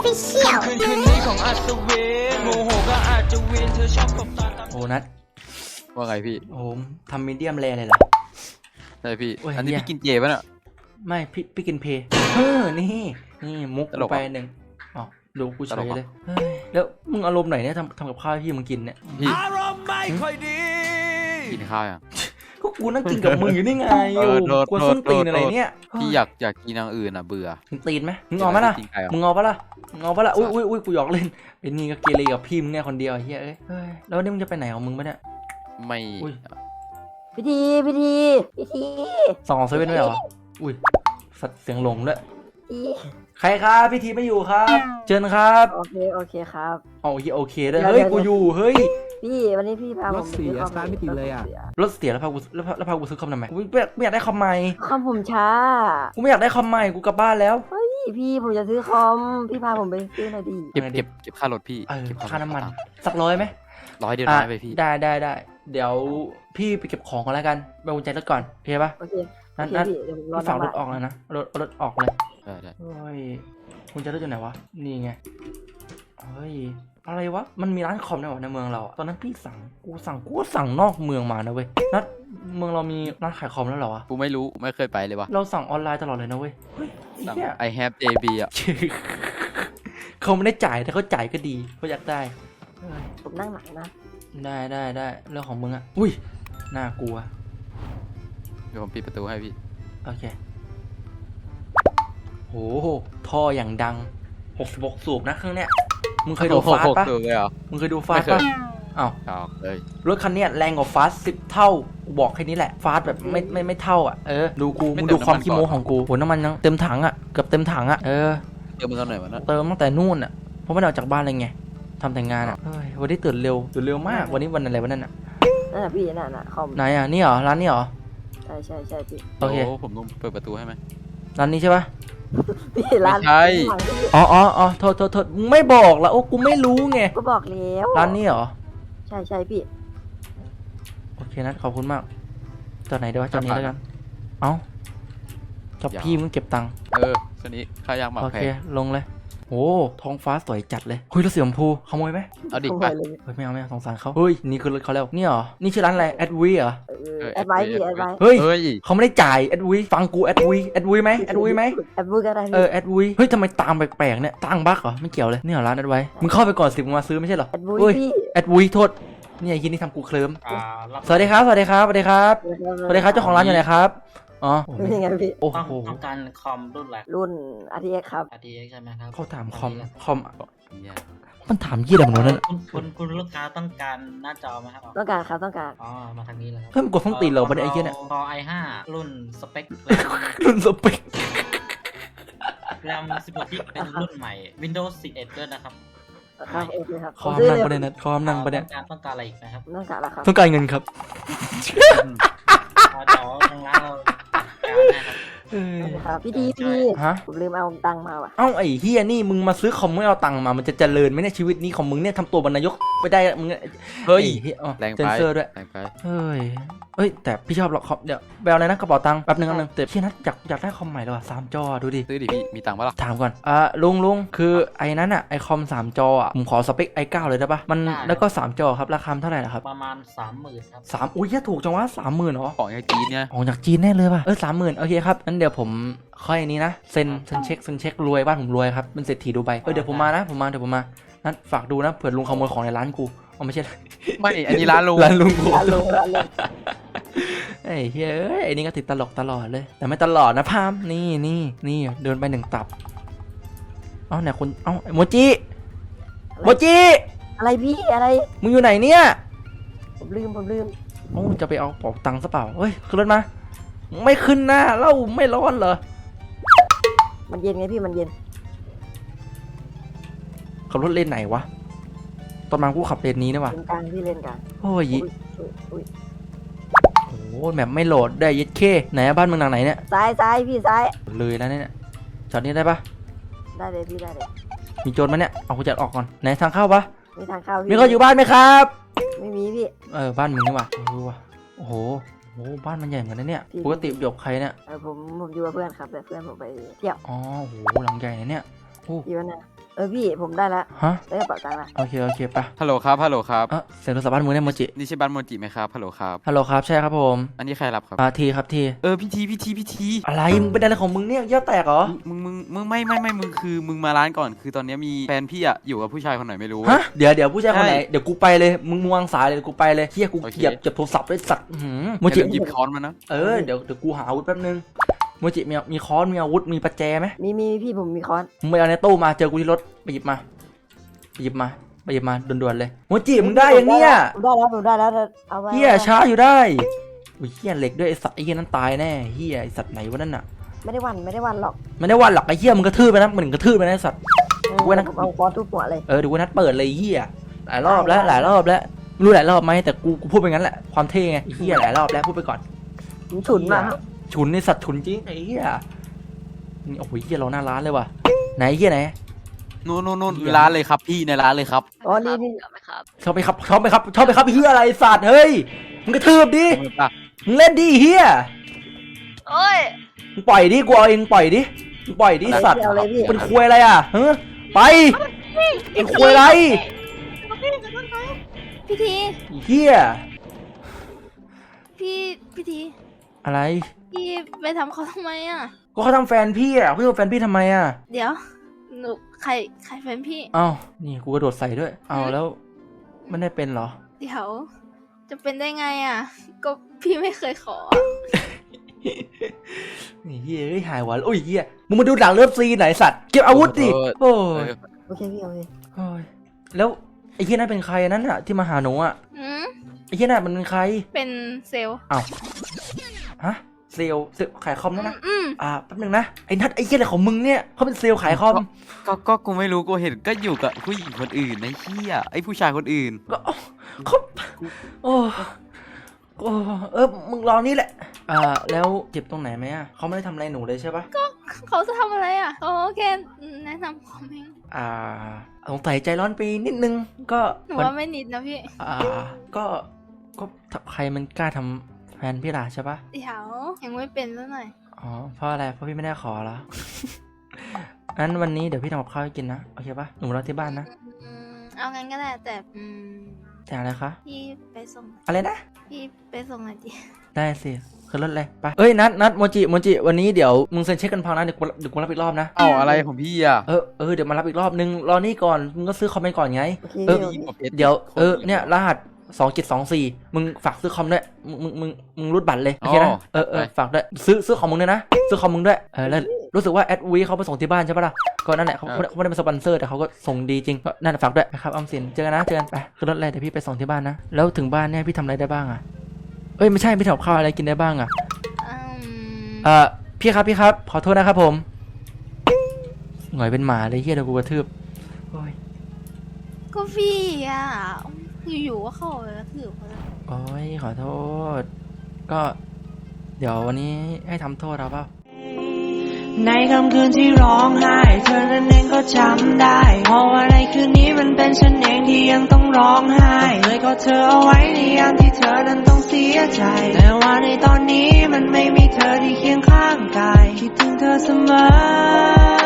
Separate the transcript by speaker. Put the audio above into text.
Speaker 1: Official
Speaker 2: คืนนี้ของอัศวินโมโหก็อาจจะวินเธอชอบตบตา
Speaker 3: โอ้นัด
Speaker 4: ว่าไงพี่
Speaker 3: โอ้ทำมีเดียมแรเลยเหรอ
Speaker 4: ใช่พี่
Speaker 3: โอ้ย
Speaker 4: อันนี้
Speaker 3: เหี้ย
Speaker 4: พี่กินเจป่ะเนี่ย
Speaker 3: ไม่พี่กินเพนี่มุก
Speaker 4: ตลก
Speaker 3: ไป
Speaker 4: อ่ะ
Speaker 3: หนึ่งอ๋อดูกูเฉ
Speaker 4: ตล
Speaker 3: ย
Speaker 4: กอ่ะ
Speaker 3: เลยเฮ้ยแล้วมึงอารมณ์ไหนเนี่ยทำกับข้าวให้พี่มึงกินเนี่ย
Speaker 4: พี่
Speaker 2: อารมณ์ไม่ค่อยดี
Speaker 4: กินข้าวยัง
Speaker 3: ก็กูนั่งกินกับมึงอยู่นี่ไง
Speaker 4: เออโทษ
Speaker 3: กวนส้น
Speaker 4: โทษ
Speaker 3: ตีนอะไร
Speaker 4: โทษ
Speaker 3: เนี่ย
Speaker 4: พี่อยากกินอย่างอื่นอ่ะเบื่อ
Speaker 3: มึงตีนไหมมึงเอาปะล่ะ
Speaker 4: กินไก่เหรอ
Speaker 3: มึงเอาปะล่ะมึงเอาปะล่ะอุ้ยกูหยอกเล่นไอ้นี่ก็เกเรกับพี่มึงเนี่ยคนเดียวไอ้เฮ้ยเอ้ยแล้วนี่มึงจะไปไหนของมึงปะเนี่ย
Speaker 4: ไม่
Speaker 3: อุ้ย
Speaker 5: พิธี
Speaker 3: ส่องเซเว่นด้วยเหรออุ้ยสัตว์เสียงหลงด้วย
Speaker 5: พี่
Speaker 3: ใครครับพี่ทีไม่อยู่ครับเชิญครับ
Speaker 5: โอเคครับ
Speaker 3: เอาโอเคด้วย
Speaker 5: เดี๋ยว
Speaker 3: เฮ้ย
Speaker 5: เดี๋ยว
Speaker 3: กูอยู่เฮ้ย
Speaker 5: พี่วันนี้พี่พาผม
Speaker 6: รถเสีย
Speaker 5: ไปซื้อคอ
Speaker 6: สตาร์ทไม่ติดเลยอะ
Speaker 3: รถเสียแล้วพากูซื้อคอมทำไมกูไม่อยากได้คอมใหม่
Speaker 5: คอมผมช้า
Speaker 3: กูไม่อยากได้คอมใหม่กูกลับบ้านแล้ว
Speaker 5: พี่ผมจะซื้อคอม พี่พาผมไปซื้อหน่อยดิ
Speaker 4: เก็บค่ารถพี่
Speaker 3: เออ
Speaker 4: เก็บ
Speaker 3: ค่าน้ำมัน
Speaker 4: ตังค์
Speaker 3: สักร้อยไหม
Speaker 4: 100เดียว
Speaker 3: อ่ะ
Speaker 4: ได้ไปพี่
Speaker 3: ได้เดี๋ยวพี่ไปเก็บของก่อนแล้วกันไปกุญแจรถก่อนโอเคปะ
Speaker 5: โอเค
Speaker 3: นั่น
Speaker 5: พี่เดี๋ยวผมรอ
Speaker 3: พี่ฝากรถ
Speaker 5: น้ำ
Speaker 3: ออกเลยนะเอารถออกเลย
Speaker 4: ได้
Speaker 3: เฮ้ยกุญแจรถอยู่ไหนวะนี่ไงเฮ้ยอะไรวะมันมีร้านคอมในวะในเมืองเราอะตอนนั้นพี่กูสั่งนอกเมืองมานะเว้ยนัดเมืองเรามีร้านขายคอมแล้วเหรอวะ
Speaker 4: กูไม่รู้ไม่เคยไปเลยวะ
Speaker 3: เราสั่งออนไลน์ตลอดเลยนะเว้ยเฮ้ยไอ้
Speaker 4: สั่ง
Speaker 3: เหี้ย
Speaker 4: I have JB อ่ะ
Speaker 3: เขาไม่ได้จ่ายแต่เขาจ่ายก็ดีเขาอยากได้เฮ้ย
Speaker 5: ผมนั่งหลังนะ
Speaker 3: ได้เรื่องของมึงอะอุ้ยน่ากลัว
Speaker 4: เดี๋ยวผมปิดประตูให้พี่
Speaker 3: โอเคโหท่ออย่างดัง66สูบนะเครื่องเนี้ยมึงเคยดูฟาสปะ
Speaker 4: ถูกเลยเหรอ
Speaker 3: มึงเคยดูฟาส
Speaker 4: ไม่เค
Speaker 3: ปะ
Speaker 4: ย
Speaker 3: อ้าว
Speaker 4: เอาเลย
Speaker 3: รถคันเนี้ยแรงกว่าฟาส10 เท่ากูบอกแค่นี้แหละฟาสแบบไม่เท่าอ่ะดูกูมึงดูความขี้โม้ของกูโหน้ำมันยังเต็มถังอ่ะเกือบเต็มถังอ่ะ
Speaker 4: เจอมึงตอนไหนวะนะ
Speaker 3: เติมตั้งแต่นู่นอ่ะเพราะไม่ได้ออกจากบ้านเลยไงทำแต่งงานอ่ะเฮ้ยวันนี้ตื่นเร็วมากวันนี้วันอะไรวันนั้นอ่ะ
Speaker 5: นั่นน่ะพี่นั่นน่ะคอม
Speaker 3: ไหนอ่ะนี่เหรอร้านนี้เหรอ
Speaker 5: ใช่พี่
Speaker 3: โอเค
Speaker 4: ผมต้องเปิดประตูให้ไหม
Speaker 3: ร้านนี้ใช่ปะ
Speaker 5: พี่ร้าน
Speaker 4: ไม่ใช่
Speaker 5: หลังพี่
Speaker 3: อ๋อโทษมึงไม่บอกละโอ้กูไม่รู้ไง
Speaker 5: ก็บอกแล้ว
Speaker 3: ร้านนี้เหรอ
Speaker 5: ใช่พี่
Speaker 3: โอเคนะขอบคุณมากจอดไหนดีวะจอดนี้แล้วกันเอ้าจอบพี่มึงเก็บตังค์
Speaker 4: คันนี้ค่ายางหมาก
Speaker 3: โอ
Speaker 4: แพ
Speaker 3: เค
Speaker 4: ง
Speaker 3: ลงเลยโอ้ท้องฟ้าสวยจัดเลยเฮ้ยรถสีชมพูขโมยไหม
Speaker 4: เอาดิ
Speaker 5: ขโม
Speaker 4: ไป
Speaker 5: ยเลย
Speaker 3: เฮ้ยไม่เอาสงสารเขาเฮ้ยนี่คือรถเขาแล้วนี่เหรอนี่ชื่อร้านอะไรแอดวีเหรอ
Speaker 5: แอดไว้พี่แอดไว้
Speaker 3: เฮ้ย
Speaker 4: เฮ้ย
Speaker 3: เขาไม่ได้จ่ายแอดวีฟังกูแอดวีไหมแอดวีไหม
Speaker 5: แอดไว้ก็ได้พี่
Speaker 3: แอดวีเฮ้ยทำไมตามแปลกๆเนี่ยตั้งบั๊กเหรอไม่เกี่ยวเลยนี่เหรอร้านแอดไว้มึงเข้าไปก่อนสิมึงมาซื้อไม่ใช่เหรอ
Speaker 5: แอดไว้
Speaker 3: เฮ้ย
Speaker 5: พี่
Speaker 3: แอดวีโทษเนี่ยไอ้ที่นี่ทำกูเคลิ้มสวัสดีครับเจ้าของร้านอยู่ไหนครับอ๋อโอ้โห
Speaker 5: เป็นยังไงพี่
Speaker 3: โอ้
Speaker 7: ต้อง
Speaker 3: โห
Speaker 7: ต้องการคอมรุ่นอะไร
Speaker 5: รุ่น RTX ครับ
Speaker 7: RTX ใช่ไหมครับ
Speaker 3: เขาถามคอม
Speaker 4: เนี่ย
Speaker 3: มันถามยี่อะไรของมันนั่น
Speaker 7: คุณลูกค้าต้องการหน้าจอไหมครับ
Speaker 5: ต้องการครับต้องการ
Speaker 7: อ๋อ มาทางนี้เลยครับ
Speaker 3: เฮ้ยมันกดฟ้องตีนเหรอวะเนี่ยไอ้เหี้ยเนี่ย
Speaker 7: คอ i5 รุ่นสเปค
Speaker 3: รุ่นสเปค
Speaker 7: แรม16กิกเป็นรุ่นใหม่ Windows 11ด้วยนะครับ
Speaker 5: ครับโอเคครับ
Speaker 3: คอม
Speaker 5: ซื้อ
Speaker 3: นั่ง
Speaker 5: เลย
Speaker 3: ประเด็นนะคอมนั่งประเด็น
Speaker 7: ต้องการอะไรอีกนะครับ
Speaker 5: ต้องการแล้วครับ
Speaker 3: ต้องการเงินครับ
Speaker 7: เดี๋ยวทางร้านเราจัดการให้ครับ
Speaker 5: ครับพี่ดีพี่
Speaker 3: ฮะ
Speaker 5: ผมลืมเอาตังค์มาว่ะ
Speaker 3: เอ้าไอ้เฮียนี่มึงมาซื้อคอมไม่เอาตังค์มามันจะเจริญไหมเนี่ยชีวิตนี้ของมึงเนี่ยทำตัวบรรนายกไม่ได้มึง
Speaker 4: เฮ้ย
Speaker 3: ไอ้เหี้ยอ๋อ
Speaker 4: แรง
Speaker 3: เซ
Speaker 4: ไป
Speaker 3: นเซอร์ด้วย
Speaker 4: แรงไป
Speaker 3: เฮ้ยแต่พี่ชอบหรอกคอมเดี๋ยวไปเอาอะไรนะกระเป๋าตังค์แป๊บนึงแต่พี่นัทอยากได้คอมใหม่เลยว่ะ3 จอดูดิ
Speaker 4: ซื้อดิพี่มีตังค์ปะล่ะ
Speaker 3: ถามก่อนลุงคือไอ้นั้นอ่ะไอคอม3 จออ่ะผมขอสเปค i9 เลยได้ปะมันแล้วก็3 จอครับราคาเท่าไหร่ล่ะครับ
Speaker 7: ประมาณ 30,000ครับ
Speaker 3: 3อุ้ยแค่ถูกจังวะ30,000เหรอ
Speaker 4: ของยายจีนเนี่ย
Speaker 3: ออกจากจีนแน่เลยป่ะ30,000โอเคครับงั้นเดี๋ยวผมค่อยนี้นะเซ็นเช็ครวยบ้านผมรวยครับเป็นเศรษฐีดูไบเดี๋ยวผมมานะเดี๋ยวผมมานั้นฝากดูนะเผื่อลุงขโมยของในร้านกูเอาไม่ใช่
Speaker 4: ไม่อันนี้ร้านลุง
Speaker 3: ร้านลุงกู
Speaker 5: ร้านลง
Speaker 3: ไอ้เฮ้ยไอ้นี่ก็ติดตลกตลอดเลย แต่ไม่ตลอดนะพามนี่เดินไป1 ตับเอ้าไหนคนเอ้าโมจิ
Speaker 5: อะไรพี่อะไร
Speaker 3: มึงอยู่ไหนเนี่ย
Speaker 5: ผมลืม
Speaker 3: โอ้จะไปเอาเป๋าตังค์ซะเปล่าเฮ้ยขึ้นรถมาไม่ขึ้นหน้าเล่าไม่ร้อนเหรอ
Speaker 5: มันเย็นไงพี่มันเย็น
Speaker 3: ขับรถเลนไหนวะตอนมากูขับเลนนี้นะวะ
Speaker 5: เลนกลางพี่เลนกลาง
Speaker 3: โอ้ย
Speaker 5: อุ้ย
Speaker 3: โอ้โหแมปไม่โหลดได้ยึดเคไหนอะบ้านมึงหลังไหนเนี่ย
Speaker 5: ซ้ายพี่ซ้าย
Speaker 3: เลยแล้วเนี่ยจอดนี้ได้ปะ
Speaker 5: ได้เลยพี่ได้เลย
Speaker 3: มีโจรมั้ยเนี่ยเอากุญแจออกก่อนไหนทางเข้าปะ
Speaker 5: มีทางเข้าพี่
Speaker 3: มีคนอยู่บ้านไหมครับ
Speaker 5: ไม่มีพี่
Speaker 3: บ้านมึงนี่วะโอ้โหบ้านมันใหญ่เหมือนกันนะเนี่ย
Speaker 5: พี่
Speaker 3: ปกติอยู่กับใครเนี่ย
Speaker 5: ผมอยู่กับเพื่อนครับแต่เพื่อนผมไปเที่ยว
Speaker 3: อ๋อโหหลังใหญ่นะเนี่ยโอ้
Speaker 5: อยู่นะพี่ผมได้แล้ว
Speaker 3: ฮะ
Speaker 5: ได้กระเป๋าตังค์ละ
Speaker 3: โอเคไป
Speaker 4: ฮัลโหลครับฮัลโหลครับ
Speaker 3: เสียงโทรศัพท์บ้านมึงเนี่ยโมจิ
Speaker 4: นี่ใช่บ้านโมจิไหมครับฮัลโหลครับ
Speaker 3: ฮัลโหลครับใช่ครับผม
Speaker 4: อันนี้ใครรับครับ
Speaker 3: ทีครับที
Speaker 4: พี่ที
Speaker 3: อะไรมึงเป็นอะไรของมึงเนี่ยเยี่ยวแตกเหรอ
Speaker 4: มึงไม่มึงคือมึงมาร้านก่อนคือตอนนี้มีแฟนพี่อะอยู่กับผู้ชายคนไหนไม่รู้
Speaker 3: ฮะเดี๋ยวผู้ชายคนไหน
Speaker 4: ใช่
Speaker 3: เดี๋ยวกูไปเลยมึงวางสายเลยกูไปเลยเฮียกู
Speaker 4: โอเค
Speaker 3: เหยียบโทรศัพท์ด้วยสัตว์โมจิ
Speaker 4: หยิบค้อนมานะ
Speaker 3: เดี๋ยวกูหาอาวุธแป๊บนึงโมจิมีค้อนมีอาวุธมีประแจไหม
Speaker 5: มีพี่ผมมีค้อน
Speaker 3: มึงไปเอาในตู้มาเจอกูที่รถไปหยิบมาด่วนๆเลยโมจิมึงได้ยังเนี่ย
Speaker 5: ผมได้แล้วเอาไว้
Speaker 3: เฮียช้าอยู่ได้อุ้ยเฮียเหล็กด้วยไอสัตว์ไอเฮียนั้นตายแน่เฮียไอสัตว์ไหนวะนั่นน่ะ
Speaker 5: ไม่ได้วันหรอก
Speaker 3: ไม่ได้วันหลักไอเฮียมึงกระทืบไปนะมึงกระทืบไปนะไอสัตว์ กูนะ
Speaker 5: เอาค้อนทุบหัวเลย
Speaker 3: เดี๋ยวกูนัดเปิดเลยเฮียหลายรอบแล้วไม่รู้หลายรอบไหมแต่กูพูดไปงั้นแหละความเท่ไงเฮียหลายรอบแล้วพูดไปก่อน
Speaker 5: ผมฉุนมาก
Speaker 3: ฉุนในสัตว์ฉุนจริงไอ้เฮียนี่โอ้โหเฮียเราหน้าร้านเลยว่ะไหนเฮียไหน
Speaker 4: นู่นร้านเลยครับพี่ในร้านเลยครับ
Speaker 5: อ๋อนี่
Speaker 3: ชอบไปครับเฮียอะไรสัตว์เฮ้ยมึงกระทืบดิมึงเล่นดิเฮีย
Speaker 1: โอ้ย
Speaker 3: มึงปล่อยดิกูเอาเองปล่อยดิสัตว์
Speaker 5: เอาเลยพี่
Speaker 3: เป็นควยอะไรอ่ะเฮ้ไปเป็นควยอะไร
Speaker 1: พี่ที
Speaker 3: เฮีย
Speaker 1: พี่ที
Speaker 3: อะไร
Speaker 1: พี่ไปทำเขาทำไมอ่ะ
Speaker 3: ก็เขาทำแฟนพี่อ่ะเขาทำแฟนพี่ทำไมอ่ะ
Speaker 1: เดี๋ยวหนูใครแฟนพี่
Speaker 3: อ้าวนี่กูกระโดดใส่ด้วยเอาแล้วไม่ได้เป็นเหรอ
Speaker 1: เดี๋ยวจะเป็นได้ไงอ่ะ ก็พี่ไม่เคยขอ
Speaker 3: นี่เฮียเฮ้ยหายหวานโอ้ยเฮียมึงมาดูหนังเลิฟซีนไหนสัตว์เก็บอาวุธดิโอ้ย
Speaker 5: โอเคพี่โอเค
Speaker 3: โอ้ยแล้วไอ้เฮียนั่นเป็นใครนั่นอะที่มาหาหนูอะ
Speaker 1: อืม
Speaker 3: ไอ้เฮียนั่นมันเป็นใคร
Speaker 1: เป็นเซลล์
Speaker 3: อ้าวฮะเซลล์ขายคอมนั่นนะ
Speaker 1: อืม
Speaker 3: แป๊บนึงนะไอ้นัทไอ้เฮียอะไรของมึงเนี่ยเขาเป็นเซลล์ขายคอม
Speaker 4: ก็กูไม่รู้กูเห็นก็อยู่กับผู้หญิงคนอื่นไอ้เหี้ยไอ้ผู้ชายคนอื่น
Speaker 3: ก็เขาโอ้มึงรอนี่แหละแล้วเจ็บตรงไหนไหมอะเขาไม่ได้ทำอะไรหนูเลยใช่ปะ
Speaker 1: เขาจะทำอะไรอ่ะเขาแค่แนะนำคอมเอง
Speaker 3: สงสัยใจร้อนไปนิดนึงก็
Speaker 1: หนูว่าไม่นิดนะพี่
Speaker 3: ก็ใครมันกล้าทำแฟนพี่ล่ะใช่ปะ
Speaker 1: เดี๋ยวยังไม่เป็นซะหน่อย
Speaker 3: อ๋อเพราะอะไรเพราะพี่ไม่ได้ขอแล้ว งั้นวันนี้เดี๋ยวพี่ทำกับข้าวให้กินนะโอเคปะหนูรอที่บ้านนะ
Speaker 1: เอางั้นก็ได้แต่
Speaker 3: แต่อะไรคะ
Speaker 1: พี่ไปส่ง
Speaker 3: อะไรนะ
Speaker 1: พี่ไปส่งหน่อยดิ
Speaker 3: ได้สิขึ้นรถเลยไปเอ้ยนัดโมจิวันนี้เดี๋ยวมึงเซ็นเช็คกันพังนะเดี๋ยวกูรับอีกรอบนะ
Speaker 4: เอ้าอะไรของพี่อะ
Speaker 3: เดี๋ยวมารับอีกรอบนึงรอนี่ก่อนมึงก็ซื้อคอมไปก่อนไง
Speaker 5: โอเค
Speaker 3: เดี๋ยวเนี่ยรหัส2724มึงฝากซื้อคอมด้วยมึงรูดบัตรเลยโอเคนะฝากด้วยซื้อของมึงด้วยนะซื้อคอมมึงด้วยแล้วรู้สึกว่าแอดวีเขาไปส่งที่บ้านใช่ปะล่ะก็นั่นแหละเขาไม่ได้เป็นสปอนเซอร์แต่เขาก็ส่งดีจริงก็นั่นแหละฝากด้วยนะครับออมสินเจอกันไปขึ้นรถเลยเดี๋ยวพี่ไปส่งที่บ้านนะแล้วถึงบ้านเนี่ยพี่ทำอะไรได้บ้างอ่ะไม่ใช่พี่ทำข้าวอะไรกินได้บ้างอ่ะพี่ครับขอโทษนะครับผมหงอยเป็นหมาเลยเฮียเดี๋ยวกูกระทืบโอ้ย
Speaker 1: ก็พี่อ่ะอยู่ๆก็เข้าไปกระทืบเขาเลย
Speaker 3: โอ้ยขอโทษก็เดี๋ยววันนี้ให้ทำโทษเราเปล่า
Speaker 2: ในค่ำคืนที่ร้องไห้เธอนั้นเองก็จำได้เพราะว่าในคืนนี้มันเป็นฉันเองที่ยังต้องร้องไห้เลยก็เธอเอาไว้ในยามที่เธอนั้นต้องเสียใจแต่ว่าในตอนนี้มันไม่มีเธอที่เคียงข้างกายคิดถึงเธอเสมอ